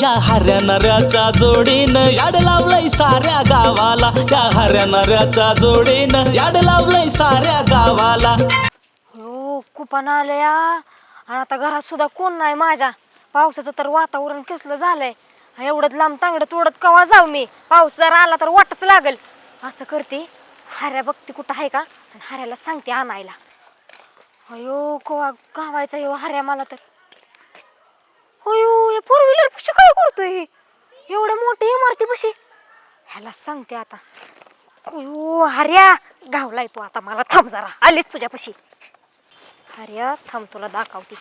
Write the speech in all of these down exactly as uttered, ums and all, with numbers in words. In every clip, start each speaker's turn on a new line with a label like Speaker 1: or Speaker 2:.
Speaker 1: या हऱ्या नऱ्याच्या जोडीनं याड लावलंय साऱ्या गावाला, या हऱ्या नऱ्याच्या जोडीनं याड लावलंय साऱ्या गावाला.
Speaker 2: हो कुपन आलया आणि आता घरात सुद्धा कोण नाही माझ्या. पावसाचं तर वातावरण कसलं झालंय. एवढं लांब तांगडं तोडत कवा जाऊ मी. पाऊस जर आला तर वाटच लागल. असं करते, हऱ्या बघते कुठं आहे का आणि हऱ्याला सांगते आणायला. अयो कवा गावायचा येऊ हऱ्या मला तर. अयो या फोर व्हीलर पशी काय करतोय एवढ्या मोठी इमारती पशी. ह्याला सांगते आता. अयो हऱ्या गावलाय तू आता मला. थांब जरा आलीच तुझ्यापाशी. हऱ्या थांब तुला दाखवते.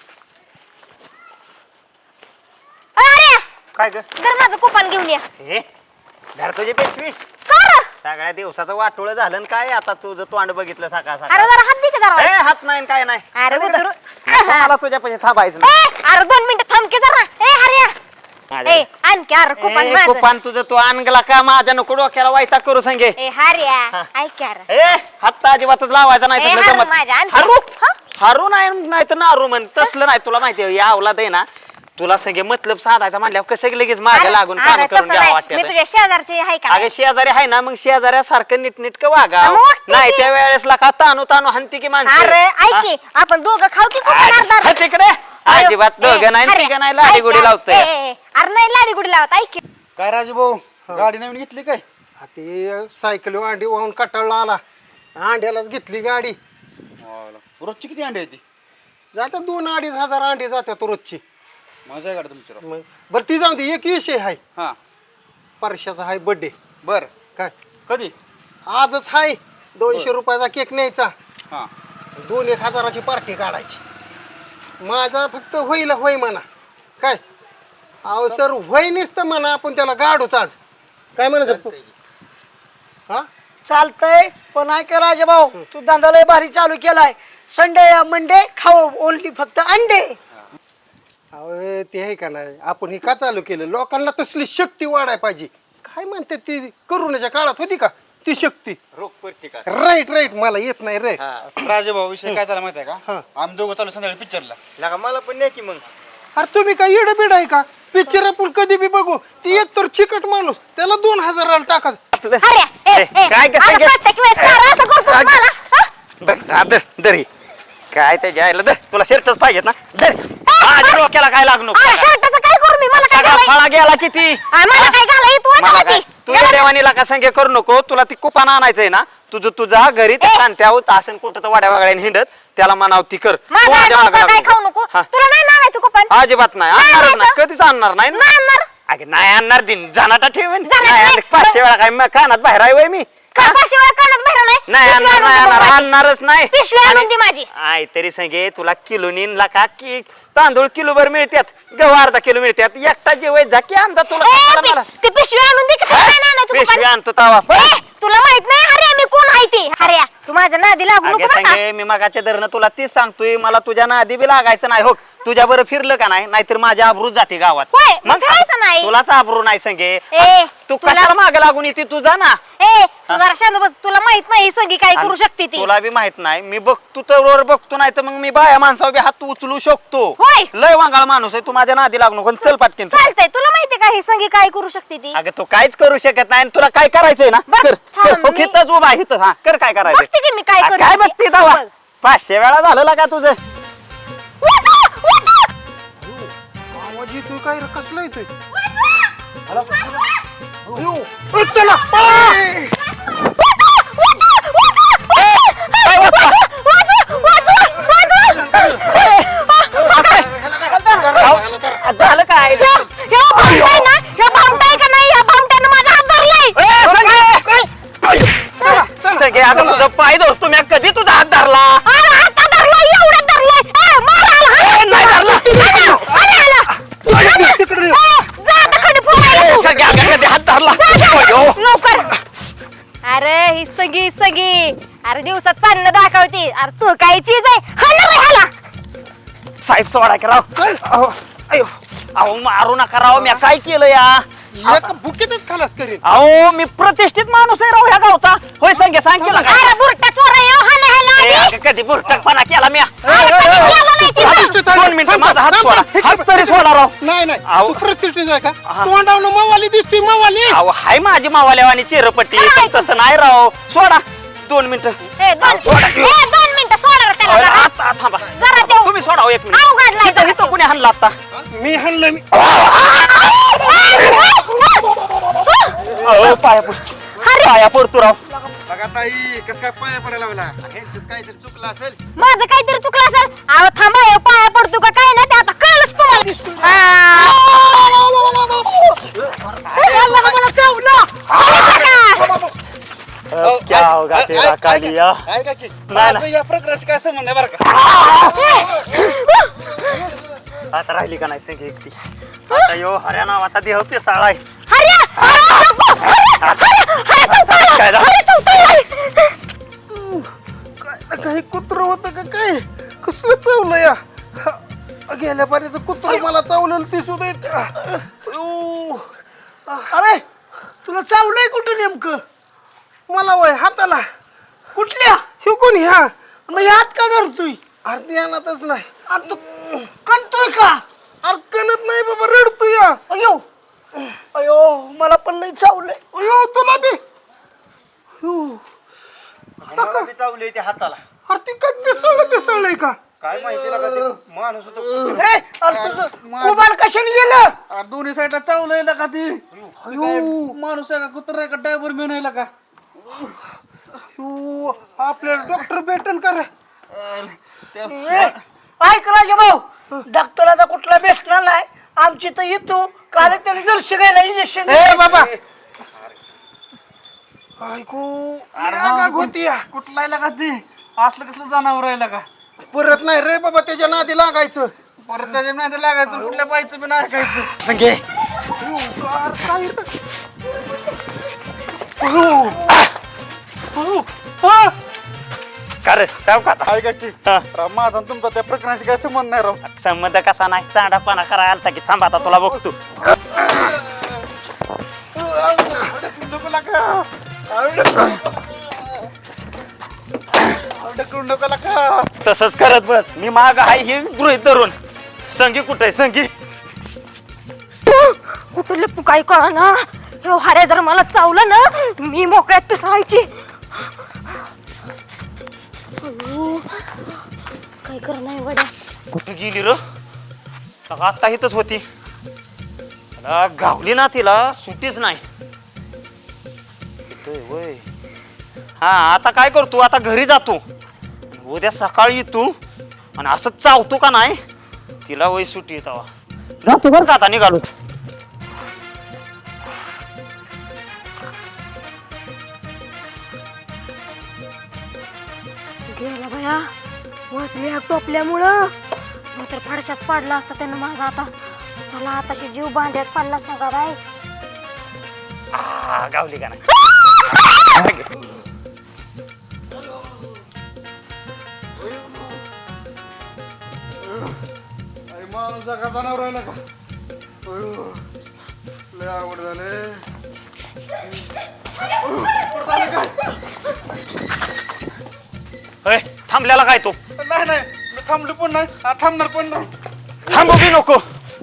Speaker 2: अरे
Speaker 3: काय ग
Speaker 2: तर माझं कुपन घेऊन या.
Speaker 3: हे धर तुझी पेशवी.
Speaker 2: कर
Speaker 3: सगळ्या दिवसाचं वाटोळं झालं न काय आता तुझं तोंड बघितलं सकाळ
Speaker 2: अरे
Speaker 3: सकाळ.
Speaker 2: जरा हात दे की जरा.
Speaker 3: ए हात नाही न काय नाही.
Speaker 2: अरे उतरू.
Speaker 3: मला तुझ्या पैसे थांबायचं नाही.
Speaker 2: ए अरे दोन मिनिटं थांब की जरा. ए हऱ्या ए आणखी अरे कुपन
Speaker 3: ए,
Speaker 2: माझं.
Speaker 3: कुपान तुझं तू आणला का माझ्या नको डोक्याला वायता करू सांगे.
Speaker 2: ए हऱ्या ऐक यार.
Speaker 3: ए हात अजिबातच लावायचा नाही
Speaker 2: ए,
Speaker 3: तसलं
Speaker 2: हारू
Speaker 3: जमत.
Speaker 2: माझ्या, आणखी.
Speaker 3: हारू
Speaker 2: हा?
Speaker 3: हारू नाही नाही तर नारू म्हण तसलं नाही. तुला माहिती आहे या अवलाद आहे ना तुला संगे मतलब साधायचा म्हणल्यावर कसं लगेच मागे
Speaker 2: अरे,
Speaker 3: लागून
Speaker 2: अरे,
Speaker 3: काम करून
Speaker 2: तसं
Speaker 3: घ्यावं
Speaker 2: नाही.
Speaker 3: वाटतं.
Speaker 2: मी तुझ्या शेजारची आहे का
Speaker 3: अगं शेजारी आहे ना मग शेजाऱ्यासारखं नीटनीटकं वागा.
Speaker 2: मग वागते
Speaker 3: नाही
Speaker 2: की.
Speaker 3: त्या वेळेसला का तानू तानू हंती की माणसं.
Speaker 2: अरे ऐक की आपण दोघं खाऊ की कुपन अर्धा
Speaker 3: हा, तिकडे अजिबात दोघं नाही तिघं नाही लाडी गुडी लावतोय.
Speaker 2: अरे नाही लाडी गुडी लावत. ऐक की.
Speaker 4: काय राजू भाऊ गाडी नवीन घेतली काय? ते सायकल अंडी वाहून कटाळला आला. अंड्यालाच घेतली गाडी.
Speaker 5: रोजची किती अंडे येते?
Speaker 4: जातात दोन अडीच हजार अंडी जातात रोजची.
Speaker 5: मजा आहे गाडी तुमची राव.
Speaker 4: मग बरं ती जाऊ दे. एक विषय आहे.
Speaker 5: हा
Speaker 4: परशाचा आहे बर्थडे.
Speaker 5: बर
Speaker 4: काय
Speaker 5: कधी?
Speaker 4: आजच आहे. दोनशे रुपयाचा केक न्यायचा.
Speaker 5: हा
Speaker 4: दोन एक हजाराची पार्टी काढायची. माझा फक्त होईल होय म्हणा. काय अहो सर होय नसतं म्हणा. आपण त्याला गाडूच आज. काय म्हणायचं हा
Speaker 6: चालतंय पण ऐक राजा भाऊ तू धंदा लय भारी चालू केलाय. संडे मंडे खाऊ ओनली फक्त अंडे.
Speaker 4: अहो ते आहे का नाही आपण हे का चालू केलं. लोकांना तसली शक्ती वाढाय पाहिजे. काय म्हणते ती करोनाच्या काळात होती का ती शक्ती.
Speaker 5: रोग प्रतिकार.
Speaker 4: राईट राईट मला येत नाही रे.
Speaker 5: राजे भाऊ विषय काय झाला माहिती आहे
Speaker 4: हा.
Speaker 5: का? आम्ही दोघं चालू संध्याकाळी पिक्चरला.
Speaker 3: लगा मला पण नाही की मग.
Speaker 4: अरे तुम्ही काय येडं बिड आहे का. पिक्चर आपण कधी बी बघू. ती एक तर चिकट माणूस त्याला दोन हजाराला टाका.
Speaker 2: हऱ्या ए, ए,
Speaker 3: काय कसं
Speaker 2: अरे
Speaker 3: घे-
Speaker 2: प्रत्येक वेळेस का असं करतोस मला. हा?
Speaker 3: बरं, हा, धर धर ही. काय त्याच्या आईला धर तुला शर्टच पाहिजेत ना धर. माझ्या डोक्याला काय लागू नको.
Speaker 2: अरे शर्टाचं काय करू मी. मला काय
Speaker 3: सगळा
Speaker 2: घालाय-
Speaker 3: फळा गेला किती.
Speaker 2: अरे, मला काय घालाय तू आता
Speaker 3: मला काय
Speaker 2: आधी.
Speaker 3: तू देवानीला का संगे करू नको. तुला ती कुपान आणायचंय ना तुझं तुझा घरी त्या शांत्यावर आसन कुठं तर वाड्या वागड्याने हिंडत त्याला म्हणाव ती कर. तू
Speaker 2: माझं
Speaker 3: माझ्या
Speaker 2: आधी
Speaker 3: मागं
Speaker 2: कुपन काय
Speaker 3: लागू
Speaker 2: खाऊ
Speaker 3: नको.
Speaker 2: नको.
Speaker 3: हा.
Speaker 2: तुला नाही लावायचं कुपन.
Speaker 3: अजिबात नाही
Speaker 2: नाही
Speaker 3: आणणारच नाही
Speaker 2: आणायचं?
Speaker 3: कधीच आणणार नाही ना.
Speaker 2: नाही आणणार.
Speaker 3: अगे नाही आणणार दिन जाणाटा ठेवेन
Speaker 2: जाणाटा
Speaker 3: नाही
Speaker 2: नाही.
Speaker 3: आणलं. पाचशे वेळा काय म- कानात बाहेर आहे वय मी.
Speaker 2: का पाचशे वेळा कानात भरवलंय?
Speaker 3: नाही
Speaker 2: पिशवी
Speaker 3: आणणार
Speaker 2: आणून
Speaker 3: नाही
Speaker 2: दे
Speaker 3: आणणार
Speaker 2: मग माझी.
Speaker 3: आणणारच नाही.
Speaker 2: पिशवी आणून दे माझी.
Speaker 3: आय तरी संगे तुला किलो नीन का की तांदूळ किलो भर मिळतात गहू अर्धा किलो मिळतात एकटा जेवाय जा की आणता तुला
Speaker 2: ए,
Speaker 3: कशाला
Speaker 2: पि-
Speaker 3: मला.
Speaker 2: ती पिशवी आणून दे की तुला नाही आणायचं
Speaker 3: पिशवी
Speaker 2: कुपन?
Speaker 3: आणतो तवा
Speaker 2: ए, तुला माहित नाही हऱ्या मी कोण आहे ते. हऱ्या तू माझ्या नादी लागू
Speaker 3: अगे
Speaker 2: नको बरं का?
Speaker 3: संगे मी मगाच्या धरणं तुला तीच सांगतोय मला तुझ्या नादी बी लागायचं नाही हो. तुझ्या बरं फिरलं का नाही नाहीतर माझ्या आबरूच जाते गावात.
Speaker 2: होय, मग फिरायचं नाही.
Speaker 3: तुलाच आबरू नाही संगे
Speaker 2: ए,
Speaker 3: तू
Speaker 2: तुला-
Speaker 3: कशाला मागे लागून येते तू जा ना.
Speaker 2: ए तू जरा शांत बस. तुला माहित नाही ही सगळी काय करू शकते ती.
Speaker 3: तुला बी माहित नाही मी बघतो तर वर बघतो नाही तर मग मी बाया माणसावर बी हात उचलू शकतो.
Speaker 2: होय.
Speaker 3: लय वांगाळ माणूस आहे तू माझ्या नादी लागू नको चल पाटकीन चल.
Speaker 2: चालतंय. तुला माहितीये का ही सगळी काय करू शकते ती.
Speaker 3: अगं तू काहीच करू शकत नाही आणि तुला काय करायचंय ना
Speaker 2: बघ,
Speaker 3: कर
Speaker 2: थांब,
Speaker 3: कर हो,
Speaker 2: मी-
Speaker 3: इथंच उभा आहे, इथं हा कर काय करायचंय.
Speaker 2: बघते की मी काय
Speaker 3: आ,
Speaker 2: करू
Speaker 3: काय
Speaker 2: शकते.
Speaker 3: बघते दावा
Speaker 2: बघ.
Speaker 3: पाचशे वेळा झालं का तुझं.
Speaker 2: वाचवा, वाचवा,
Speaker 4: आवाज येतोय काय रे. कसला येतोय.
Speaker 3: अयो, ए, चला पळा.
Speaker 2: वाचवा, वाचवा, वाचवा, वाचवा, वाचवा, वाचवा.
Speaker 3: झालं काय
Speaker 2: ह्या- ह्या भामटाय ना, ह्या भामटाय का नाही, ह्या भामट्यानं माझा हात धरलाय.
Speaker 3: ए, संगे संगे आता तुझं पाय धरतो मी कधी तुझा हात धरला.
Speaker 2: अरे हात धरलाय, एवढ्यात धरलाय. ए, मार आला, हात.
Speaker 3: ए, नाही धरला.
Speaker 2: आला, आला, आला. ए, जा आता खडी फोडायला
Speaker 3: ए,
Speaker 2: तू.
Speaker 3: संगे अगं कधी हात धरला.
Speaker 2: जा, जा,
Speaker 3: अयो.
Speaker 2: लवकर. अरे ही सगळी सगळी अरे दिवसात चांदणं दाखवते. अरे तू काय चीज आहे. हाणणार आहे ह्याला.
Speaker 3: साहेब सोडा की राव. अहो, अयो अहो मारू नका राव मी काय केलं या.
Speaker 4: एका बुकेतच खलास करीन.
Speaker 3: अहो मी प्रतिष्ठित माणूस आहे राव ह्या गावचा. होय संगे सांग केला काय
Speaker 2: अरे बुरटा चोर आहे हो, हाणं ह्याला आधी.
Speaker 3: ए, अगं, कधी बुरटकपणा केला मी
Speaker 2: अरे कधी केलं नाही तिथं.
Speaker 4: प्रतिष्ठित आहे.
Speaker 3: दोन मिनिटं
Speaker 4: थांब,
Speaker 3: माझा हात
Speaker 4: थांब,
Speaker 3: सोडा
Speaker 4: थांब.
Speaker 3: हात तरी सोडा राव.
Speaker 4: नाही नाही
Speaker 3: अहो.
Speaker 4: तू प्रतिष्ठित आहे का तोंडावनं मवाली दिसतोय मवाली.
Speaker 3: अहो हाय माझी मावाल्यावानी चिरपट्टी पण तसं नाही राव. सोडा दोन मिनिटं
Speaker 2: ए, दोन
Speaker 3: सोडा.
Speaker 2: ए, दोन मिनिटं सोडा रे त्याला
Speaker 3: अहो,
Speaker 2: जरा.
Speaker 3: आता थांबा
Speaker 2: जरा देऊ.
Speaker 3: तुम्ही सोडा हो एक मिनिट.
Speaker 2: अवघडलाय
Speaker 3: इथं इथं कोणी हाणला आता
Speaker 4: मी हाणलं मी
Speaker 3: अहो, पाया पडतो पाया पडतो राव.
Speaker 5: बघा ताई कसं काय पाया पडायला लागला ह्यांच्यात काहीतरी चुकलं असेल.
Speaker 2: माझं काहीतरी चुकलं असेल. अहो थांबा हे पाया पडतो का काय ना ते आता कळलंच तुम्हाला.
Speaker 5: अहो,
Speaker 3: क्या
Speaker 5: ऐक-
Speaker 3: होगा
Speaker 5: ऐक-
Speaker 3: तेरा
Speaker 5: ऐक-
Speaker 3: कालिया?
Speaker 5: ऐका- ऐका की.
Speaker 3: नाही,
Speaker 5: माझं या प्रकाराशी काय संबंध आहे बरं का.
Speaker 3: आता राहिली का नाही संगी एकटी. आता यो हऱ्या नावाचा देह पिसाळाय.
Speaker 2: हऱ्या, हऱ्या, नको. हऱ्या, हऱ्या, हऱ्या चौथाळा.
Speaker 3: काय झालं?
Speaker 2: हऱ्या चौथाळा.
Speaker 4: काही कुत्र होतं का काय कसलं चावलं या हा, गेल्या पाण्याचं कुत्र मला चावलेलं ते सुद्धा येत- अयो.
Speaker 6: अरे तुला चावलंय कुठं नेमकं?
Speaker 4: मला वय हाताला
Speaker 6: कुठल्या?
Speaker 4: हे कोण ह्या
Speaker 6: मग हात का धरतोय?
Speaker 4: अरे ध्यानातच नाही
Speaker 6: अरे तू कणतोय का?
Speaker 4: अरे कणत नाही बाबा रडतो या
Speaker 6: अयो अयो मला पण नाही चावलंय.
Speaker 4: अयो तुला बी अयो.
Speaker 5: मला बी चावली ते हाताला.
Speaker 4: अरे ती काय पिसळलं पिसळलंय का
Speaker 5: काय माहिती लागा ते माणूस होतो.
Speaker 6: ए, अरे तुझं कुबाड कशाने गेलं?
Speaker 5: अरे दोन्ही साईडला चावलंय का ती काय माणूस आहे का कुत्र आहे का ड्रायव्हर मेन आहे का.
Speaker 4: अयो, आपल्याला डॉक्टर भेटेल का रे
Speaker 6: ए, ऐक राजा भाऊ डॉक्टराचा कुठला भेटणार नाही. आमची तर येतो काल त्याने जर्शी घ्यायला इंजेक्शन.
Speaker 4: ए बाबा ऐकू रागाग होती या.
Speaker 5: कुठला आहे का ती असलं कसलं जनावर आहे का.
Speaker 4: परत नाही रे बाबा त्याच्या नादी लागायचं
Speaker 5: परत त्याच्या नाही लागायचं कुठल्या बाईचं बी नाही ऐकायचं.
Speaker 3: संगे
Speaker 4: अरे काय
Speaker 3: कर जाऊ का आता?
Speaker 5: ऐका की
Speaker 3: हा.
Speaker 5: राव, माझा आणि तुमचा त्या प्रकरणाशी काय संबंध नाही राव.
Speaker 3: संबंध कसा नाही चांडापणा करायला आलता की थांब आता तुला बघतो.
Speaker 5: नको लागा. ढकलू नको लागा.
Speaker 3: तसंच करत बस मी माग आहे हे गृहित धरून. संगी कुठे आहे संगी?
Speaker 2: कुठं लपू काही कळा ना. हो हऱ्या जर मला चावलं ना मी मोकळ्यात पिसळायची. अयो, काय कर नाही वड्या.
Speaker 3: कुठे गेली र आता इथंच होती. मला गावली ना तिला सुटीच नाही. इथं वय हा आता काय करतो आता घरी जातो. उद्या सकाळी येतो आणि असं चावतो का नाही तिला वय सुटी येतावा. जातो बरं का आता निघालो.
Speaker 2: गेला बाया वाचली टोपल्यामुळं तर फाडशात पाडला असता त्यानं माझा. आता चला आताशी जीव भांड्यात पडला सगळा बाय.
Speaker 3: आ, गावली का नाही?
Speaker 5: अरे माणूस आहे का जनावर आहे का. अयो, लय आवड झाले.
Speaker 3: होय थांबल्याला काय तो?
Speaker 5: नाही नाही मी थांबलो पण नाही आ, थांबणार पण नाही.
Speaker 3: थांबू बी नको.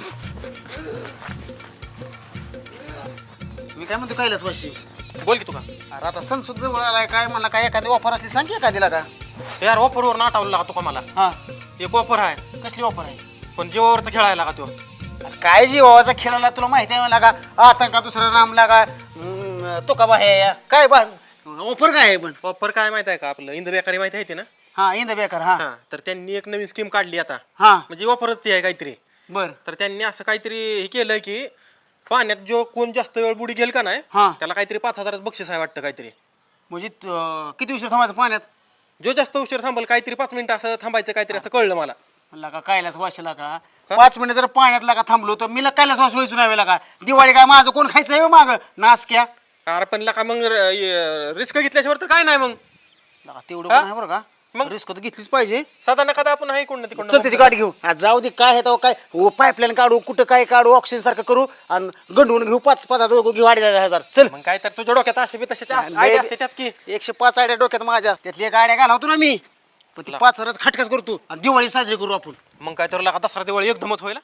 Speaker 7: मी काय म्हणतो कैलास वाशी
Speaker 5: बोल की तू का.
Speaker 7: अरे आता सण सुद्धा जवळ आलाय काय म्हणला काय एखादी ऑफर असली सांग की एखादीला का.
Speaker 5: यार ऑफरवर नाटावलं लागा तू का मला.
Speaker 7: हा
Speaker 5: एक ऑफर आहे
Speaker 7: कसली ऑफर आहे?
Speaker 5: पण जीवावरचा खेळायला का तो.
Speaker 7: अरे काय जीवाचा खेळाला तुला माहिती आहे मला का आतंका दुसरा नाम लागा हम्म, तो का बाहे काय बा ऑफर काय आहे पण.
Speaker 5: ऑफर काय माहिती आहे का आपलं इंद बेकारी माहिती आहे ते ना.
Speaker 7: हा इंद बेकार हा
Speaker 5: हा तर त्यांनी एक नवीन स्कीम काढली आता.
Speaker 7: हा
Speaker 5: म्हणजे ऑफरच ती आहे काहीतरी.
Speaker 7: बर
Speaker 5: तर त्यांनी असं काहीतरी हे केलंय की पाण्यात जो कोण जास्त वेळ बुडी गेल का नाही
Speaker 7: हा.
Speaker 5: त्याला काहीतरी पाच हजारात बक्षीस आहे वाटतं काहीतरी.
Speaker 7: म्हणजे अं, किती उशीर थांबायचं पाण्यात?
Speaker 5: जो जास्त उशीर थांबल काहीतरी पाच मिनिटं असं थांबायचं काहीतरी असं कळलं मला.
Speaker 7: म्हणला का कैलास वाशीला का पाच मिनिट जर पाण्यात लागा थांबलो तर मी कैलास वास व्हायचो नाही का. दिवाळी काय माझं कोण खायचं आहे माग नासक्या.
Speaker 5: अरे पण लका मग रिस्क घेतल्याशिवाय तर काय नाही मग.
Speaker 7: लगा तेवढं पण आहे बरं का
Speaker 5: मग?
Speaker 7: रिस्क तर घेतलीच पाहिजे.
Speaker 5: साधारण कदा आपण आहे कोण तिकडून
Speaker 7: चल त्याची गाडी घेऊ. हा, जाऊ दे काय आहे तेव्हा काय पाईपलाईन काढू कुठं काय काढू ऑक्सिजन सारखं करू आणि गंडवून घेऊ पाच पाच हजार घेऊ अडीच हजार. चल
Speaker 5: मग काय तर तुझ्या डोक्यात असे बी तशाचे आयडिया असते त्याच की.
Speaker 7: एकशे पाच आयडिया डोक्यात माझ्या त्यातली गाड्या घालवतो ना मी पण ती पाच हजाराच खटकाच करतो आणि दिवाळी साजरी करू आपण.
Speaker 5: मग काय तर लागा दसरा दिवाळी एकदमच होईल.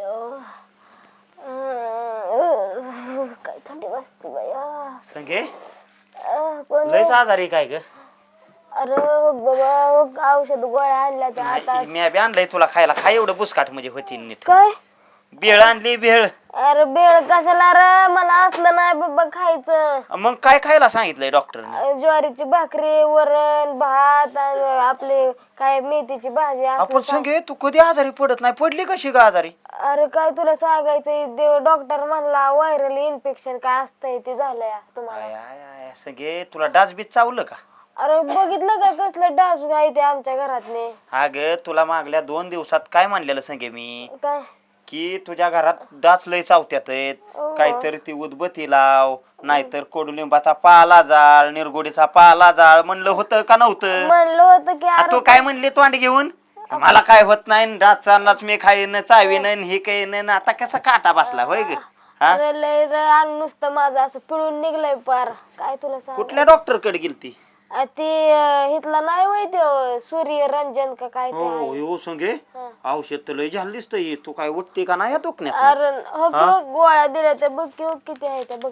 Speaker 2: काय थंडी वाजते बाया.
Speaker 3: संगे
Speaker 2: अं, पण
Speaker 3: लयच आजारी काय ग?
Speaker 2: अरे बाबा औषध गोळ्या आणल्या त्या आता.
Speaker 3: मी बी आणलंय तुला खायला. खाय एवढं बुसकाट म्हणजे होती नीट.
Speaker 2: काय
Speaker 3: भेळ आणली भेळ.
Speaker 2: अरे बेळ कशाला रे, मला असलं नाही बाबा खायचं.
Speaker 3: मग काय खायला सांगितलंय डॉक्टरने?
Speaker 2: अं, ज्वारीची भाकरी वरण भात आणि आपले काय मेथीची भाजी असलं
Speaker 3: आपण
Speaker 2: सा-
Speaker 3: संगे तू कधी आजारी पडत नाही. पडली कशी का आजारी?
Speaker 2: अरे काय तुला सांगायचं देव डॉक्टर म्हणला व्हायरल इन्फेक्शन काय असतंय ते झालंय तुम्हाला.
Speaker 3: आय आय आय संगे तुला डास बीज चावलं का?
Speaker 2: अरे बघितलं का कसलं डास आहे ते आमच्या घरातले.
Speaker 3: अगं तुला मागल्या दोन दिवसात काय म्हणलेलं संगे मी
Speaker 2: काय
Speaker 3: की तुझ्या घरात डास लय चावत्यात आहेत.
Speaker 2: हो.
Speaker 3: काहीतरी ती उदबत्ती लाव नाहीतर कडुलिंबाचा पाला जाळ निरगुडीचा पाला जाळ म्हणलं होतं का नव्हतं?
Speaker 2: म्हणलं होतं की
Speaker 3: आ,
Speaker 2: अरे
Speaker 3: तू काय म्हणली तोंड घेऊन मला काय होत नाही डास चाललाच मी खाईन चावीन हे काही आता कसा काटा बसला होय ग? हा
Speaker 2: अरे लय रे अंग नुसतं माझं असं पिळून निघलंय पार. काय तुला सांग
Speaker 3: कुठल्या डॉक्टर कडे गेलती?
Speaker 2: ते अं, इथला नाही माहिती सूर्य रंजन का काय ते
Speaker 3: हो
Speaker 2: आहे.
Speaker 3: हो संगे औषध तर लय झालं दिसतंय. तू काय उठते का नाही या दुखण्यात?
Speaker 2: अरे हो की हो, गोळ्या दिल्या त्या बघ की हो किती आहे त्या बघ.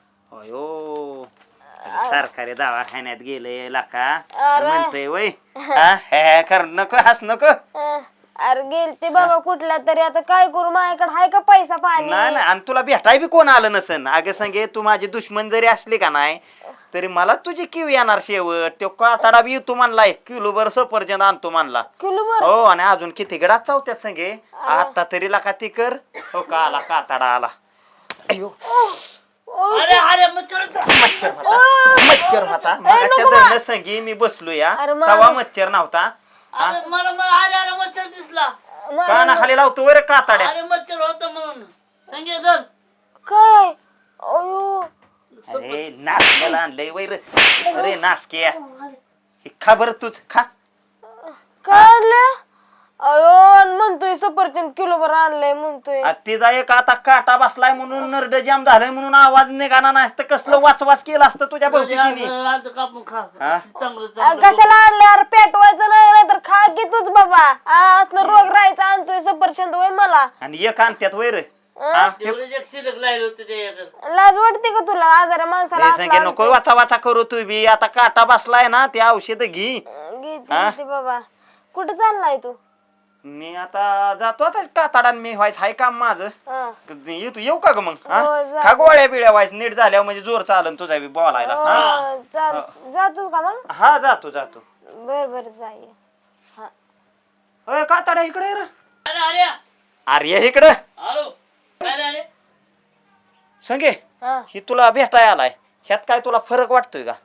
Speaker 3: अयो सरकारी दवाखान्यात गेले लाका
Speaker 2: अरे.
Speaker 3: म्हणतोय वय हा हे हे कर नको हस नको.
Speaker 2: अं, अरे गेलते बाबा कुठल्या तरी आता काय करू माझ्याकडे हाय का पैसा पाणी.
Speaker 3: नाही नाही आणि तुला भेटाय बी कोण आलं नसन. अगं संगे तू माझी दुश्मन जरी असली का नाही तरी मला तुझी किव येणार शेवट. तो कातडा बी येतो म्हणलाय किलोभर सफरचंद आणतो म्हणला.
Speaker 2: किलो बर
Speaker 3: हो आणि अजून किती गडात चावत्यात संगे. आता तरी लाका ती कर. हो का आला कातडा आला. अयो
Speaker 6: अरे अरे मच्छर
Speaker 3: मच्छर होता मच्छर होता मगाच्या धरणं संगी मी बसलो या
Speaker 2: अरे मा-
Speaker 3: तवा मच्छर नव्हता.
Speaker 6: अरे मला मग अरे अरे मच्छर दिसला.
Speaker 3: काना खाली लावतो वर कातड्या.
Speaker 6: अरे मच्छर होतं म्हणून सांगे धर.
Speaker 2: काय अयो
Speaker 3: अरे नासक्याला आणलंय वैर. अरे नासक्या हे खा बरं तूच खा.
Speaker 2: काय आणलं अयो आणि म्हणतोय सफरचंद किलो भर आणलंय म्हणतोय.
Speaker 3: आ, तिचा एक आता काटा बसलाय म्हणून नरड जाम झालाय म्हणून आवाज निघाला नाही तर कसलं वाचवाच केलं असतं तुझ्या भोवती तिने.
Speaker 6: आता कापून खा
Speaker 3: हा?
Speaker 6: चांगलं
Speaker 2: अ,
Speaker 6: चांगलं.
Speaker 2: कशाला आणलं अरे पेटवायचं नाही नाहीतर खा की तूच बाबा. आ, असलं रोग राहायचा आणतोय सफरचंद होय मला.
Speaker 3: आणि एक आणत्यात वैर. हा?
Speaker 6: तेवढेच एक शिल्लक राहिले होते ते.
Speaker 2: लाज वाटते का तुला आजाऱ्या माणसाला
Speaker 3: हे
Speaker 2: असलं
Speaker 3: संगे नको वाचा वाचा करू तू बी. आता काटा बसलाय ना ते औषध घे.
Speaker 2: आणतोय? घेते घेते बाबा. कुठं चाललाय तू?
Speaker 3: मी आता जातो आता कातडान मी व्हायचं हाय काम माझं.
Speaker 2: हा.
Speaker 3: येतो येऊ का ग मग? हा?
Speaker 2: हो, जा.
Speaker 3: खा गोळ्या बिळ्या व्हायच नीट झाल्यावर म्हणजे जोर चालन तुझा बी बोलायला. हा?
Speaker 2: हो, चाल जातो का मग?
Speaker 3: हा जातो जातो.
Speaker 2: बर बर जाय. हा
Speaker 3: अय कातडा इकडे ये रे.
Speaker 6: अरे अरे
Speaker 3: अरे ये इकडं
Speaker 6: हॅलो काय रे अरे
Speaker 3: संगे
Speaker 2: हा
Speaker 3: ही तुला भेटाय आलाय ह्यात काय तुला फरक वाटतोय का?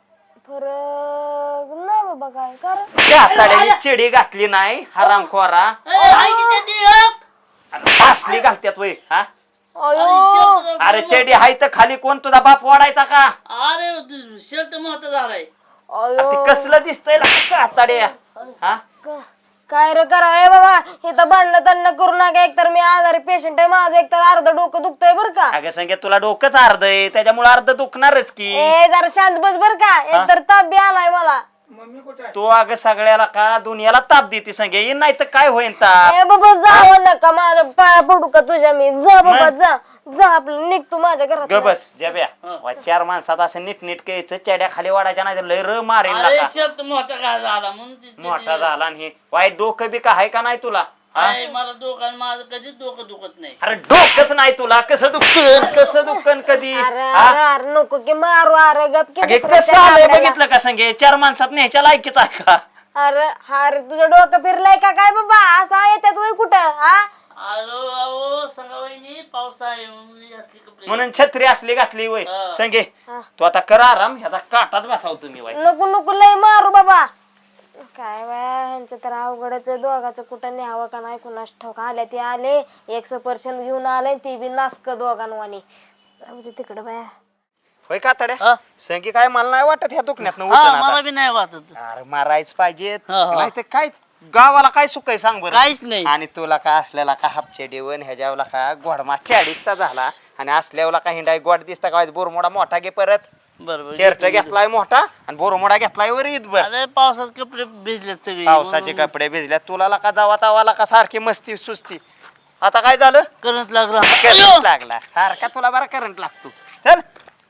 Speaker 2: फरक नाही बाबा काय कारण
Speaker 3: कातड्याने चिडी घातली नाही हरामखोरा.
Speaker 6: ए, आहे की त्या ती, हं?
Speaker 3: असली घालत्यात वय. हा
Speaker 2: अयो
Speaker 6: शेवट जर-
Speaker 3: अरे चेडी हाय तर खाली कोण तुझा बाप वाढायचा का?
Speaker 6: अरे शेल्ट मोठा झालाय.
Speaker 2: अयो
Speaker 3: ते कसलं दिसतंय कातड्या. हा
Speaker 2: का- काय रे करा ए बाबा हे तर भांडणं तंडणं करू नका. एकतर मी आजारी पेशंट आहे माझं एकतर अर्ध डोकं दुखतंय बर का.
Speaker 3: अगं संगे तुला डोकंच अर्ध आहे त्याच्यामुळे अर्ध दुखणारच की.
Speaker 2: ए जरा शांत बस बर का एकतर ताप बी आलाय मला.
Speaker 3: तो अगं सगळ्याला का दुनियाला ताप देते संगे येईन नाही तर काय होईन ताप.
Speaker 2: ए बाबा जाऊ नका माझ्या पाया पडू का तुझ्या मी. जा बाबा जा जा आपलं निघ तू माझ्या घरात.
Speaker 3: ग बस जब्या वा चार माणसात असं नीट नीट कायचं चेड्या खाली वाढायच्या नाही तर लय र मारेन
Speaker 6: अरे
Speaker 3: नका.
Speaker 6: शेल्ट मोठा काय झाला म्हणून ती- ती-
Speaker 3: मोठा झाला आणि हे वाईट डोकं बी का आहे का नाही तुला? हा?
Speaker 6: आहे, मला डोकं माझं कधीच डोकं दुखत नाही.
Speaker 3: अरे डोकंच नाही तुला कसं दुखन कसं दुखन कधी?
Speaker 2: अरे
Speaker 3: हा?
Speaker 2: अरे अरे नको की मारू अरे गप की
Speaker 3: अगे
Speaker 2: दुसऱ्या
Speaker 3: कसं आलंय
Speaker 2: त्या
Speaker 3: बघितलं का संगे चार माणसात न्यायच्या लायकीच आहे का?
Speaker 2: अरे हा रे तुझं डोकं फिरलंय का काय बाबा असं येतात वय कुठं हा.
Speaker 6: अहो अहो संगाबाईनी पाऊस आहे म्हणून ही असली कपडे.
Speaker 3: म्हणून छत्री असली घातली वय
Speaker 6: हा.
Speaker 3: संगे तू आता कर आराम ह्याचा काटाच बसाव तुम्ही वाईट.
Speaker 2: नको नको लय मारू बाबा. काय बाया ह्यांचं तर अवघडच आहे. दोघाचं कुठं न्यावं का नाही कुणास ठाऊक. आल्या ते आले एक सफरचंद घेऊन आले ती बी नासक दोघांवानी. जाऊ दे तिकडं बाया.
Speaker 3: होय कातड्या
Speaker 8: हा?
Speaker 3: संगी काय मला नाही वाटत ह्या दुखण्यात
Speaker 8: हा मला बी नाही वाटत
Speaker 3: अरे मारायच पाहिजे
Speaker 8: हा, हा.
Speaker 3: नाही तर काय गावाला काय सुख आहे सांग बरं
Speaker 8: काहीच नाही.
Speaker 3: आणि तुला का असल्याला का हापचे देवन ह्याच्यावला का गोडमा चाडीचा झाला आणि असल्यावला का हिंडाय गोड दिसता का बोरमोडा मोठा घे परत
Speaker 8: बरोबर
Speaker 3: शर्ट घेतलाय मोठा आणि बोरमोडा घेतलाय वर ईदभर
Speaker 8: अरे पावसात कपडे भिजलेत सगळे
Speaker 3: पावसाचे कपडे भिजल्यात तुला का जावा तावाला का सारखी मस्ती सुस्ती आता काय झालं
Speaker 8: करंट लागला
Speaker 3: करंट लागला सारखा तुला बरा करंट लागतो चल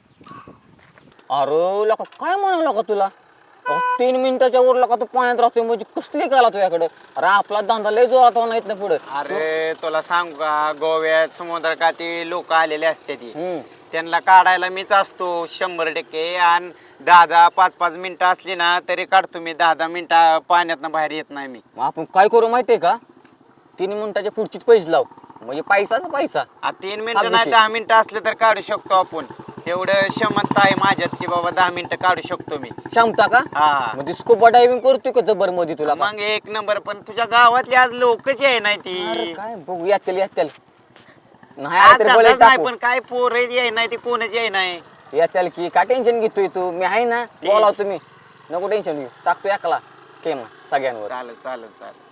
Speaker 9: अरे लका काय म्हणाला का तुला अहो, तीन मिनिटाच्या वर लका तू पाण्यात राहतोय म्हणजे कसली काला तुझ्याकडे अरे आपला धंदा लय जोरात होणार येत ना पुढे
Speaker 3: अरे तुला सांगू का गोव्यात समुद्रकाठी लोक आलेले असते ती
Speaker 9: हम्म
Speaker 3: त्यांना काढायला मीच असतो शंभर टक्के आणि दहा दहा पाच पाच मिनिटं असली ना तरी काढतो मी दहा दहा मिनिटं पाण्यातनं बाहेर येत नाही मी
Speaker 9: मग आपण काय करू माहितीये का तीन मिनिटाच्या पुढचीच पैसे लाव म्हणजे पैसाच पैसा
Speaker 3: आ, तीन मिनिटं नाही दहा मिनिटं असले तर काढू शकतो आपण एवढं क्षमता आहे माझ्यात की बाबा दहा मिनिटं काढू शकतो मी
Speaker 9: क्षमता का
Speaker 3: हा
Speaker 9: म्हणजे स्कूबा डायव्हिंग करतोय का जबर मध्ये तुला का?
Speaker 3: मग एक नंबर पण तुझ्या गावातली आज लोकच आहे नाही
Speaker 9: अरे
Speaker 3: ती
Speaker 9: काय बघू यातील यातील नाही
Speaker 3: आज
Speaker 9: आलं तरी बोलायचं
Speaker 3: धंदाच नाही
Speaker 9: टाकू.
Speaker 3: पण काय पोर आहे नाही ती कोणाची आहे नाही
Speaker 9: यातील की काय टेन्शन घेतोय तू मी आहे ना
Speaker 3: तेच.
Speaker 9: बोलाव तुम्ही नको टेन्शन घेऊ टाकतो एकला स्केम सगळ्यांवर
Speaker 3: चालेल चालेल चालेल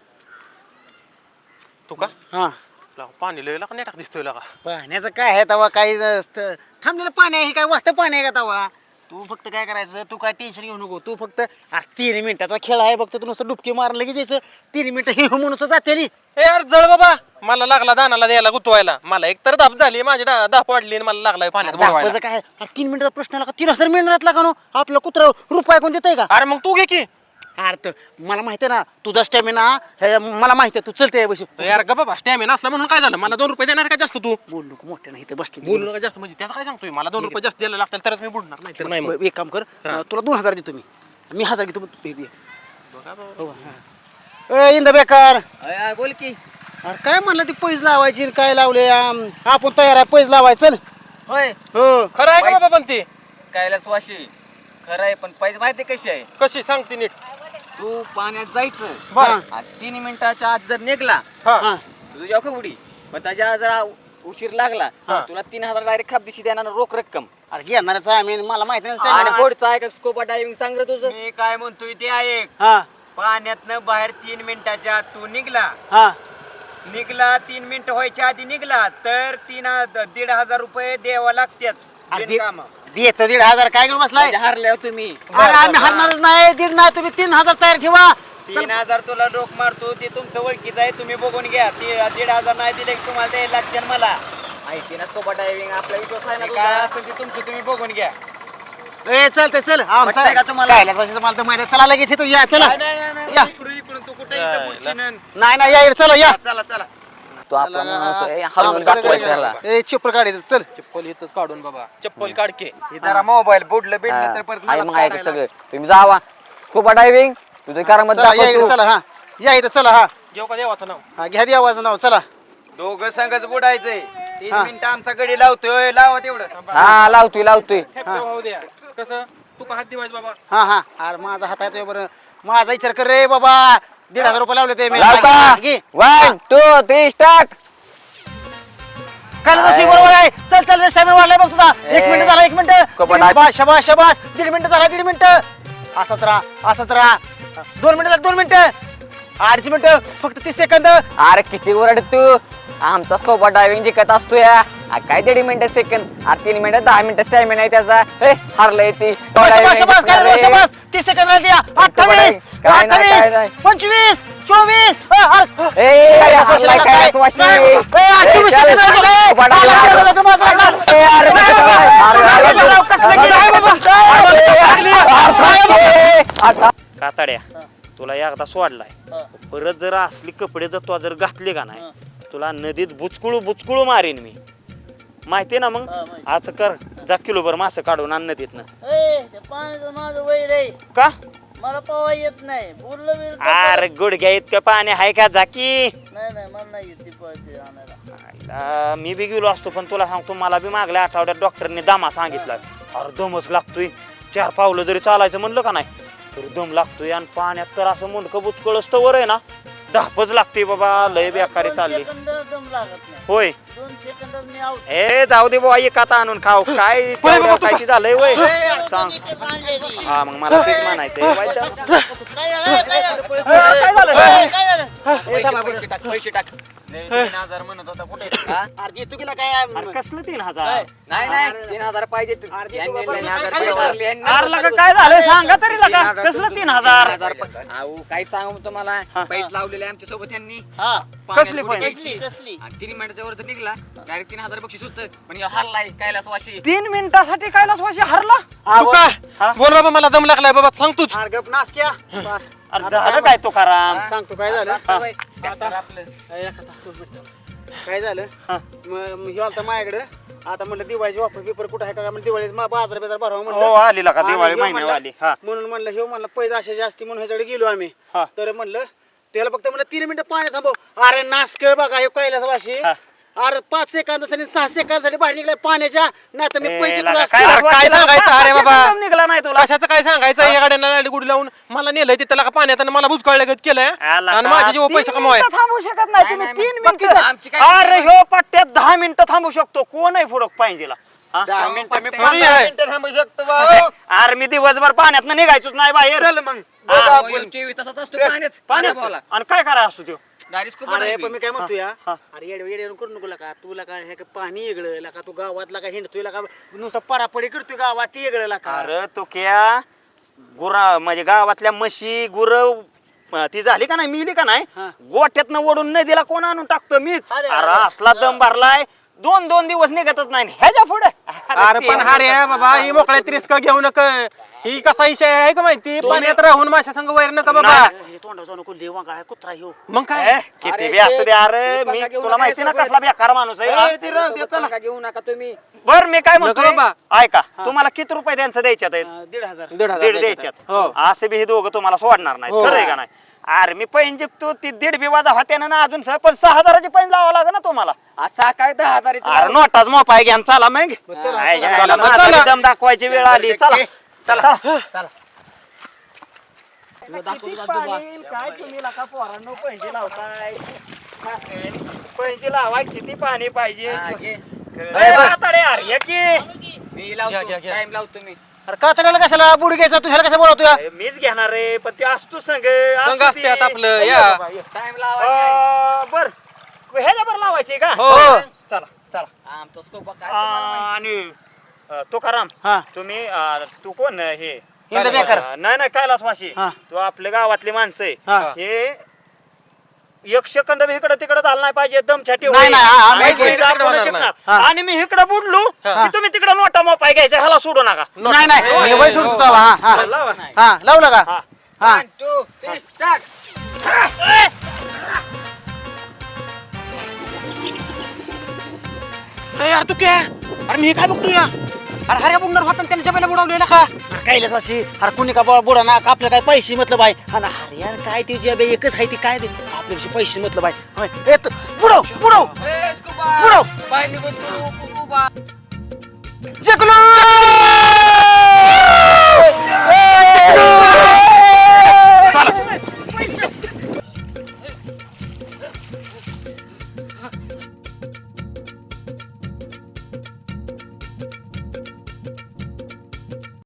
Speaker 7: तू का
Speaker 6: हा
Speaker 7: ला, पाणी लय का नेटाक दिसतोय का
Speaker 6: पाण्याचं काय आहे तवा काही नसतं थांबलेलं पाणी आहे हे काय वाहतं पाणी आहे का तवा तू फक्त काय करायचं तू काय टेन्शन घेऊ नको तू फक्त आ, तीन मिनिटाचा खेळ आहे फक्त तू नुसतं डुबकी मारलं लगेच यायचं तीन मिनिटं हे हो म्हणून जाते नी.
Speaker 7: ए यार जळ बाबा मला लागला दानाला द्यायला गुतवायला मला एक तर दाब झाली माझी डा- दाप वाढली आणि मला लागलाय पाण्यात बुडवायला.
Speaker 6: दाखवायचं काय अरे तीन मिनिटाचा प्रश्न आला का तीन हजार मिळणार का नो आपलं कुत्र रुपये कोण देतंय का
Speaker 7: अरे मग तू घे की
Speaker 6: अरे तर मला माहिती आहे ना तुझा स्टॅमिना हे मला माहिती आहे तू चलते बशी
Speaker 7: यार ग बाबा स्टॅमिना असला म्हणून काय झालं मला दोन रुपये देणार का जास्त तू
Speaker 6: बोल नको मोठे नाही इथे बसले
Speaker 7: बोलू नका जास्त म्हणजे त्याचं काय सांगतोय मला दोन रुपये जास्त द्यायला लागतील तरच मी बुडणार नाही तर नाही मग.
Speaker 6: एक काम कर तुला दोन हजार देतो मी मी हजार घेतो हे दे. हो, हा. ए, इंद बेकार
Speaker 9: अय, अय, बोल की
Speaker 6: अरे काय म्हणलं ती पैसे लावायची आणि काय लावले आम, आपण तयार आहे पैसे लावायचं चल
Speaker 9: होय
Speaker 6: हो
Speaker 7: खरं आहे का बाबा पण ते
Speaker 9: कायलाच वाशी खरं आहे पण पैसे माहिती कशी आहे
Speaker 7: कशी सांगते नीट
Speaker 9: तू पाण्यात जायचं
Speaker 7: बर
Speaker 9: आणि तीन मिनिटाच्या आत जर निघला
Speaker 7: हा
Speaker 6: हा
Speaker 9: तुझ्या का उडी पण त्याच्या जरा उशीर लागला तुला तीन हजार डायरेक्ट खापदिशी देणार रोख रक्कम
Speaker 6: अरे घेणारच आहे मी मला माहिती नाही
Speaker 9: आणि
Speaker 6: stamina.
Speaker 9: पुढचा आहे का स्कोपा डायव्हिंग सांग रे तुझं
Speaker 3: मी काय म्हणतोय ते ऐक
Speaker 6: हा
Speaker 3: पाण्यातनं बाहेर तीन मिनिटाच्या आत तू निघला
Speaker 6: हा
Speaker 3: निघला तीन मिनिटं व्हायच्या आधी निघला तर तीन ह- दीड हजार रुपये द्यावा लागतात
Speaker 6: अरे
Speaker 3: बिनकामं.
Speaker 6: दे- देतो दीड हजार काय घेऊन बसलाय
Speaker 9: म्हणजे हारल्यावर तुम्ही
Speaker 6: अरे आम्ही हरणारच नाही दीड नाही तुम्ही तीन हजार तयार ठेवा
Speaker 3: तीन हजार तुला डोक मारतो ते तुमचं ओळखीचं आहे तुम्ही बघून घ्या ती दीड हजार नाही दिले की तुम्हाला द्यायला लागतील मला
Speaker 9: माहिती ना स्कोपा डायव्हिंग आपला विश्वास आहे ना
Speaker 3: ते काय
Speaker 9: तुझा?
Speaker 3: असेल ते तुमचं तुम्ही बघून घ्या
Speaker 6: ए चलते चल
Speaker 9: वाटतंय का तुम्हाला?
Speaker 6: काय वर्षाचं मला तर माहिती आहे. चला लगेच येतो या चला
Speaker 3: नाही, नाही, नाही, नाही,
Speaker 6: या.
Speaker 3: इकडून इकडून तू कुठे इथं बुरशीनं.
Speaker 6: नाही नाही या इकडे, चला या
Speaker 3: चला चला
Speaker 9: तू आपण हरवून दाखवायचं याला
Speaker 6: ए चिप्पर काढायचं चल
Speaker 7: चप्पल इथंच काढून बाबा चप्पल काढके
Speaker 3: हे जरा मोबाईल बुडलं बिडलं तर परत
Speaker 9: आहे
Speaker 3: मला
Speaker 9: मग आहे
Speaker 3: काढायला.
Speaker 9: सगळं तुम्ही जावा स्कोपा डायव्हिंग तुझं कारामध्ये
Speaker 6: चला या इकडे
Speaker 9: दाखव तू.
Speaker 6: चला हा या इथं चला हा
Speaker 7: घेऊ का देवाचं नाव
Speaker 6: हा घ्या द्या आवाज नाव चला
Speaker 3: दोघं संगच बुडायचंय तीन
Speaker 6: हा.
Speaker 3: मिनिटं आमचा गडी लावतोय लावा तेवढं
Speaker 9: हा लावतोय लावतोय
Speaker 7: ठेपटे वाहू द्या कसं तू का हात दिवायचं बाबा
Speaker 6: हा हा अरे माझा हात आहे बरं माझा विचार कर रे बाबा दीड हजार रुपये लावले ते मी
Speaker 9: लावता
Speaker 6: घे.
Speaker 9: वन टू थ्री स्टार्ट
Speaker 6: काय जशी बरोबर आहे चल चल स्टॅमिना वाढलाय बघ तुझा एक
Speaker 9: ए,
Speaker 6: मिनिट झाला एक मिनिट
Speaker 9: कपाट
Speaker 6: शबास शबास शबास दीड मिनिट झाला दीड मिनिट असाच राहा असाच राहा दोन मिनिट दोन मिनिटं अडीच मिनिटं फक्त तीस सेकंद
Speaker 9: अरे किती ओरड तू आमचा स्कोपा डायव्हिंग जिंकत असतो या आ, काय दीड मिनिटं सेकंड आ तीन मिनिटं दहा मिनिटं स्टॅमिना आहे त्याचा हे हारलंय ती
Speaker 6: शबास शबास काय झालं, शबास तीस सेकंद राहिले अठ्ठावीस
Speaker 9: काय नाही, काय
Speaker 6: अठ्ठावीस
Speaker 9: नाही.
Speaker 6: पंचवीस चोवीस अ, अरे,
Speaker 9: ए,
Speaker 6: काय
Speaker 9: हारलाय,
Speaker 6: असं
Speaker 9: काय
Speaker 6: काय?
Speaker 9: असं वाशी?
Speaker 6: नाही, ए, चोवीस
Speaker 9: ए,
Speaker 6: सेकंद राहिले.
Speaker 9: चल, स्कोपा डायव्हिंग.
Speaker 6: अरे, अरे, अरे, अरे, अरे,
Speaker 9: ए, अरे,
Speaker 6: अरे,
Speaker 9: कसं काय? अरे, अरे,
Speaker 6: अरे, अरे, कसलं गेलं आहे बाबा?
Speaker 9: ए, आता
Speaker 3: कातड्या तुला एकदा सोडलाय परत जर असली कपडे जर तू जर घातले का नाही तुला नदीत बुचकुळू बुचकुळू मारीन मी माहितीये ना मग आज कर जा किलोभर मासे काढून आण नदीतनं
Speaker 8: ए, त्या पाण्याचं माझं वैर आहे
Speaker 3: का
Speaker 8: मला पवा येत नाही बोललं बिल
Speaker 3: अरे गुडघ्या इतकं पाणी आहे का झाकी
Speaker 8: नाही नाही मला नाही येत ती पळते आणायला
Speaker 3: आईला मी बी गेलो असतो पण तुला सांगतो मला बी मागल्या आठवड्यात डॉक्टरने दमा सांगितला अरे दमच लागतोय चार पावलं जरी चालायचं म्हणलं का नाही तर दम लागतोय आणि पाण्यात तर असं मुंडकं बुचकळ असतं वर आहे ना धापच लागते बाबा लय बेकारी चालली
Speaker 8: सेकंद दम लागत नाही
Speaker 3: होय
Speaker 8: दोन सेकंदात मी आउट
Speaker 3: ए जाऊ दे बाबा एक आता आणून खाऊ काय तेवढं काय झालंय वय सांग हा मग मला तेच म्हणायचंय वाईट झालं. काय झालं
Speaker 6: पैसे टाक पैसे टाक तीन हजार म्हणत होता कुठे अरे तू गेला काय
Speaker 3: अरे कसलं तीन हजार
Speaker 9: नाही नाही तीन हजार पाहिजे तू.
Speaker 6: अर्धी
Speaker 9: यांनी-
Speaker 6: तू बाबा,
Speaker 9: यांनी
Speaker 6: हजार
Speaker 9: हजार
Speaker 6: रुपये
Speaker 9: रुपये यांनी
Speaker 3: अरे लका काय झालंय सांगा तरी लका कसलं तीन हजार
Speaker 9: हजार रुपये. अहो काय सांगू तुम्हाला पैसे लावलेले आमच्या सोबत यांनी
Speaker 3: कसली
Speaker 9: पाण्यात
Speaker 3: पैसे?
Speaker 9: बुडी घ्यायची. आणि तीन मिनिटाच्या वर तर निघला डायरेक्ट तीन हजार बक्षीस होतं पण ह्यो हरलाय कैलास वाशी
Speaker 3: तीन मिनिटासाठी कैलास वाशी हरला
Speaker 4: तू काय बोल बाबा मला दम लागलाय बाबा सांग तूच
Speaker 6: अरे गप नास क्या
Speaker 3: अरे झालं काय तो कराम
Speaker 6: सांगतो काय झालं
Speaker 9: होय, ट्रॅक्टर आपलं
Speaker 6: ए, एक आता दोन मिनिटं. काय झालं मग हे आलता माझ्याकडं आता म्हणलं दिवाळीची ऑफर पेपर कुठं आहे का म्हणलं दिवाळी बाजार बाजार भरावा
Speaker 3: हो
Speaker 6: म्हणलं
Speaker 3: आली लका
Speaker 6: आणि
Speaker 3: दिवाळी
Speaker 6: ह्यो
Speaker 3: महिन्यावर
Speaker 6: म्हणला-
Speaker 3: आली हा
Speaker 6: म्हणून म्हणलं हे म्हणलं पैसे असे जास्ती म्हणून ह्याच्याकडे गेलो आम्ही
Speaker 3: हा.
Speaker 6: तर म्हणलं त्याला फक्त म्हणलं तीन मिनिटं पाणी थांबव अरे नासक बघा हे कैलास वाशी
Speaker 3: हा.
Speaker 6: अरे पाच सेकंदासाठी सहा सेकंदासाठी बाहेर निघलाय पाण्याच्या नाही तर मी
Speaker 3: ए,
Speaker 6: पैसे
Speaker 3: लका,
Speaker 6: कुठं
Speaker 3: काय
Speaker 6: असते?
Speaker 4: अरे काय सांगायचं अरे बाबा
Speaker 3: दम निघाला नाही तुला
Speaker 4: कशाचं काय सांगायचं या गाड्यांना गुडी लावून मला नेलंय तिथं का पाण्यात आणि मला बुजकाळलं केलंय
Speaker 3: आला
Speaker 4: आणि
Speaker 3: का?
Speaker 4: माझे जीव
Speaker 3: तीन
Speaker 4: पैसे कमवाय
Speaker 3: मिनिटं थांबू शकत नाही तुम्ही
Speaker 9: नाही,
Speaker 3: तीन
Speaker 9: नाही,
Speaker 3: मिनिटं
Speaker 9: आमची काय
Speaker 3: अरे ह्यो पट्ट्यात दहा मिनिटं थांबू शकतो कोण आहे फुडक पाहिजेला हा?
Speaker 6: दहा मिनिटं मी
Speaker 9: पट्ट्या-
Speaker 6: पंधरा
Speaker 4: आहे.
Speaker 6: मिनिटं थांबू शकतो भाऊ.
Speaker 3: अरे मी दिवसभर पाण्यात निघायचोच नाही बाहेर
Speaker 6: चल मग
Speaker 3: हा,
Speaker 6: बघू
Speaker 9: अहो,
Speaker 6: आपण.
Speaker 9: चोवीस तासात असतो पाण्यात
Speaker 3: पाण्यात
Speaker 9: पाण्यात
Speaker 3: आणि काय करायला असतो त्यो
Speaker 9: डायरेक्ट खूप
Speaker 6: अरे पण मी काय म्हणतो या
Speaker 3: हा.
Speaker 6: अरे येड येड करू नको का तुला काय हे काय पाणी वेगळं का तू गावातला का हिंडतोय का नुसतं पडापडी करतोय गावात ती वेगळं का
Speaker 3: अरे तो क्या गुरा म्हणजे गावातल्या म्हशी गुर ती झाली का नाही मिली का नाही
Speaker 6: हा.
Speaker 3: गोठ्यातनं ओढून नदीला कोण आणून टाकतो मीच
Speaker 6: अरे,
Speaker 3: अरे असला दम भरलाय दोन दोन दिवस निघतच नाही ह्याच्या पुढे
Speaker 4: अरे पण हा रे बाबा ही मोकळ्यात रिस्क घेऊ नका ही कसा विषय आहे का माहिती पाण्यात राहून माशा संग वैर नका बाबा
Speaker 6: हे तोंडावर जाऊ नको देवा काय कुत्रा ह्यो
Speaker 4: मग काय
Speaker 3: किती
Speaker 9: अरे
Speaker 3: बी असू दे अरे
Speaker 9: ते
Speaker 3: मी
Speaker 9: बघा घेऊन
Speaker 3: तुला माहिती ना
Speaker 9: नका
Speaker 3: कसला बेकार माणूस आहे हा?
Speaker 6: ते राहू दे, चला.
Speaker 9: नका घेऊ नका तुम्ही
Speaker 3: बर मी काय
Speaker 4: नका
Speaker 3: म्हणतो
Speaker 4: बाबा.
Speaker 3: ऐका तुम्हाला किती रुपये त्यांचं द्यायच्यात आहेत
Speaker 6: अं, दीड हजार
Speaker 4: दीड हजार
Speaker 3: दीड
Speaker 4: द्यायचे.
Speaker 3: द्यायच्यात
Speaker 4: हो
Speaker 3: असे बी हे दोघं तुम्हाला सोडणार नाही
Speaker 4: हो.
Speaker 3: खरं आहे का नाही अरे मी पैन जिंकतो ती दीड बी वाजा होत्या ना अजून स- पण सहा हजाराची पैन लावावं लागेल ना तुम्हाला
Speaker 9: असा काय दहा हजाराचं
Speaker 3: अरे
Speaker 9: लाव.
Speaker 3: नोटाच मोपाय घ्या आणि चला मग
Speaker 6: चला,
Speaker 3: हाय,
Speaker 6: चला,
Speaker 3: हाय,
Speaker 4: चला,
Speaker 3: माझा
Speaker 4: चला.
Speaker 3: बी दम दाखवायची वेळ आली चला चला
Speaker 6: चला
Speaker 9: तुला दाखवतो
Speaker 3: किती
Speaker 9: का तू बा?
Speaker 3: पाणी, काय तुम्ही लका पोरांनो पैसे लावताय पैसे लावाय किती पाणी पाहिजे
Speaker 9: हा, घे.
Speaker 3: ए, म्हातारे, अरे ये की
Speaker 9: मी
Speaker 4: घ्या,
Speaker 9: लावतो
Speaker 4: घ्या, घ्या.
Speaker 9: टाइम लावतो मी
Speaker 6: अरे कातड्याला कशाला बुडी घ्यायचा तुझ्याला कसं बोलवतोय
Speaker 3: अरे, मीच घेणार रे पण ते असतो संघ
Speaker 4: संघ असते आता आपलं या
Speaker 9: टाइम लावा
Speaker 3: बर ह्याच्या बर लावायची का
Speaker 4: हो
Speaker 3: चला चला
Speaker 9: आमचा स्कोप काय तुम्हाला माहिती?
Speaker 3: आणि अ, तुकाराम
Speaker 6: हा
Speaker 3: तुम्ही अ, तू कोण हे
Speaker 6: हिंद बेकर.
Speaker 3: अ, नाही नाही कैलासवाशी
Speaker 6: हा.
Speaker 3: तू आपल्या गावातली माणसं आहे
Speaker 6: हा.
Speaker 3: हे एक सेकंद बी इकडं तिकडं झालं नाही पाहिजे दम छाटी
Speaker 6: नाही, नाही, हा, हा, माहिती आहे.
Speaker 4: तिकडं होणार नाही.
Speaker 6: हा.
Speaker 3: आणि मी इकडं बुडलो
Speaker 6: हा.
Speaker 3: की तुम्ही तिकडं नोटा मोपाय घ्यायचा ह्याला सोडू नका
Speaker 6: नाही नाही मी वय सोडतो तेव्हा, हा हा
Speaker 3: लावा.
Speaker 6: हा लावलं का
Speaker 3: हा.
Speaker 6: हा
Speaker 9: One, two, three, start.
Speaker 4: ए, यार तू काय अरे मी हे काय बघतो या अरे हऱ्या बुडणार होता आणि त्याने जमेला बुडवलेला का
Speaker 6: कायलाच अशी अरे कुणी का बुडा बुडा ना आपलं काय पैसे मतलब आहे आणि अरे यार काय तुझी अबे एकच आहे ती काय ते आपल्यापेक्षा पैसे मतलब आहे होय, ए, तू बुडव बुडव
Speaker 9: ए, स्कूबा.
Speaker 6: बुडव.
Speaker 9: बाहेर निघून तू, तू, तू, बा.
Speaker 6: जगलो